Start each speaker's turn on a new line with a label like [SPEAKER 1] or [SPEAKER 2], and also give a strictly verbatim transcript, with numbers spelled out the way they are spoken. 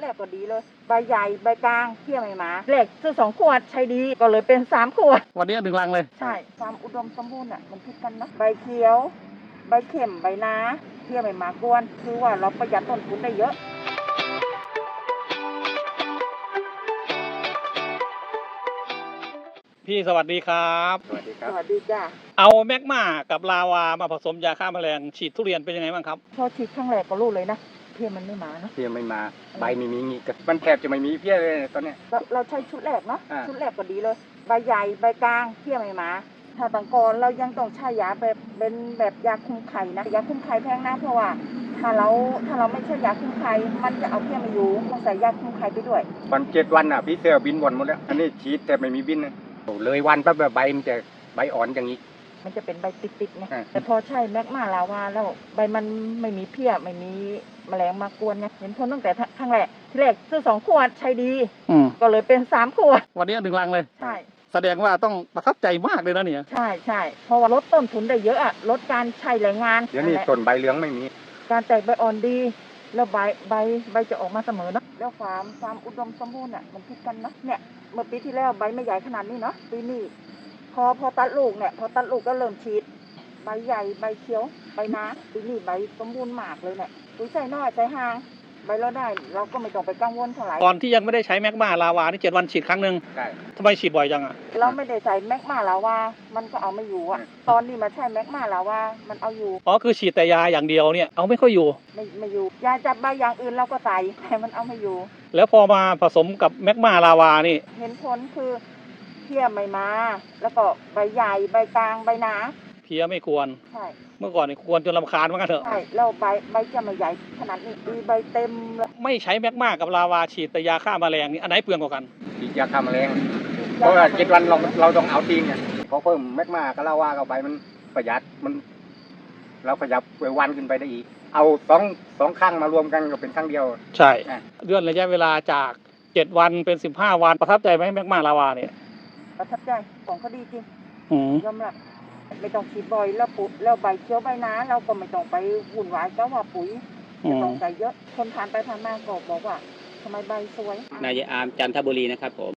[SPEAKER 1] แรกก็ดีเลยใบใหญ่ใบกลางเที่ยไม่มาแรกซื้อสองขวดใช้ดีก็เลยเป็นสามขวด
[SPEAKER 2] วันนี้หนึ่งลังเลย
[SPEAKER 1] ใช่ความอุดมสมบูรณ์อ่ะมันพิดกันนะใบเขียวใบเข็มใบนาเที่ยไม่มากวนคือว่าเราประหยัดต้นทุนได้เยอะ
[SPEAKER 2] พี่สวัสดีครับ
[SPEAKER 3] สวัสดีครับ
[SPEAKER 1] สวัสดีจ้า
[SPEAKER 2] เอาแมกมากับลาวามาผสมยาฆ่าแมลงฉีดทุเรียนเป็นยังไงบ้างครับ
[SPEAKER 1] พอฉีดครั้งแรกก็รู้เลยนะเพี้ยมันไม่มานะ
[SPEAKER 3] เพี้ยไม่มาใบไม่มีงี้มันแทบจะไม่มีเพี้ยเลยตอนเนี้ย
[SPEAKER 1] เราเราใช้ชุดแรกเนาะ
[SPEAKER 3] อ่า
[SPEAKER 1] ชุดแรกก็ดีเลยใบใหญ่ใบกลางเพี้ยไม่มาถ้าต่างกอนเรายังต้องใช้ยาแบบเป็นแบบยาคุมไข่นะยาคุมไข่แพงนะเพราะว่าถ้าเราถ้าเราไม่ใช้ยาคุมไข่มันจะเอาเพี้ยมาอยู่ต้องใส่ยาคุมไข่ไปด้วย
[SPEAKER 3] วันเจ็ดวันอ่ะพี่เสือบินวนหมดแล้วอันนี้ฉีดแต่ไม่มีบินนะโอ้เลยวันแป๊บใบมันจะใบอ่อนอย่างนี้
[SPEAKER 1] มันจะเป็นใบติดๆไง
[SPEAKER 3] อ่า
[SPEAKER 1] แต่พอใช้แมกมาลาวาแล้วใบมันไม่มีเพี้ยไม่มีแมลงมากวนไงเห็นผลตั้งแต่ครั้งแรกที่แรกซื้อสองขวดใช้ดี
[SPEAKER 2] อืม
[SPEAKER 1] ก็เลยเป็นสามขวด
[SPEAKER 2] วันนี้หนึ่งลังเลย
[SPEAKER 1] ใช่
[SPEAKER 2] แสดงว่าต้องประทับใจมากเลยนะเนี่ย
[SPEAKER 1] ใช่ใช่เพราะว่าลดต้นทุนได้เยอะอะลดการใช้แรงงาน
[SPEAKER 3] เดี๋ยวนี้ต้นใบเหลืองไม่มี
[SPEAKER 1] การแตกใบอ่อนดีแล้วใบใบใบจะออกมาเสมอเนาะแล้วความความอุดมสมบูรณ์อะมันพิดกันเนาะเนี่ยเมื่อปีที่แล้วใบไม่ใหญ่ขนาดนี้เนาะปีนี้พอพอตัดลูกเนี่ยพอตัดลูกก็เริ่มฉีดใบใหญ่ใบเขียวใบนาปีนี้ใบสมบูรณ์มากเลยเนี่ยปุ๋ยใส่น้อยใส่ห่างใบเราได้เราก็ไม่ต้องไปกังวลเท่าไหร่
[SPEAKER 2] ตอนที่ยังไม่ได้ใช้แมกมาลาวานี่เจ็ดวันฉีดครั้งหนึ่ง
[SPEAKER 3] ใช่
[SPEAKER 2] ทำไมฉีดบ่อยจังอ่ะ
[SPEAKER 1] เราไม่ได้ใส่แมกมาลาวามันก็เอาไม่อยู่อะตอนนี้มาใช้แมกมาลาวามันเอาอยู่
[SPEAKER 2] อ๋อคือฉีดแต่ยาอย่างเดียวเนี่ยเอาไม่ค่อยอยู่
[SPEAKER 1] ไม่ไม่อยู่ยาจับใบอย่างอื่นเราก็ใส่แต่มันเอาไม่อยู่
[SPEAKER 2] แล้วพอมาผสมกับแมกมาลาวานี่
[SPEAKER 1] เห็นผลคือเพี้ยไม่มาแล้วก็ใบใหญ่ใบกลางใบหนา
[SPEAKER 2] เพี้ยไม่ควร
[SPEAKER 1] ใช่
[SPEAKER 2] เมื่อก่อนนี่ควรจนรำคาญเหมือนกันเถอะ
[SPEAKER 1] ใช่แล้วใบใบจะไม่ใหญ่ขนาดนี้ดีใบเต็มเลย
[SPEAKER 2] ไม่ใช้แมกมากับลาวาฉีดแต่ยาฆ่าแมลงนี่อันไหนเปลืองกว่ากัน
[SPEAKER 3] ฉีดยาฆ่าแมลงเพราะว่าเจ็ดวันเราเราต้องเอาจริงอ่ะพอเพิ่มแมกมาก็เล่าว่าเข้าไปมันประหยัดมันเราขยับไปวันขึ้นไปได้อีกเอาสองสองครั้งมารวมกันก็เป็นครั้งเดียว
[SPEAKER 2] ใช่
[SPEAKER 3] อ่ะ
[SPEAKER 2] เลื่อนระยะเวลาจากเจ็ดวันเป็นสิบห้าวันประทับใจไหมแมกมาลาวาเนี่ย
[SPEAKER 1] ประทับใจของเขาดีจริง
[SPEAKER 2] อืม
[SPEAKER 1] ยอมรับไม่ต้องฉีดบ่อยแล้วปุ๋ยแล้วใบเขียวใบหนาเราก็ไม่ต้องไปวุ่นวายก็ว่าปุ๋ย
[SPEAKER 2] อื
[SPEAKER 1] จะ
[SPEAKER 2] ม
[SPEAKER 1] ต้องใส่เยอะคนผ่านไปผ่านมาก็บอกว่าทำไมใบสวย
[SPEAKER 4] นายอามจันทบุรีนะครับผม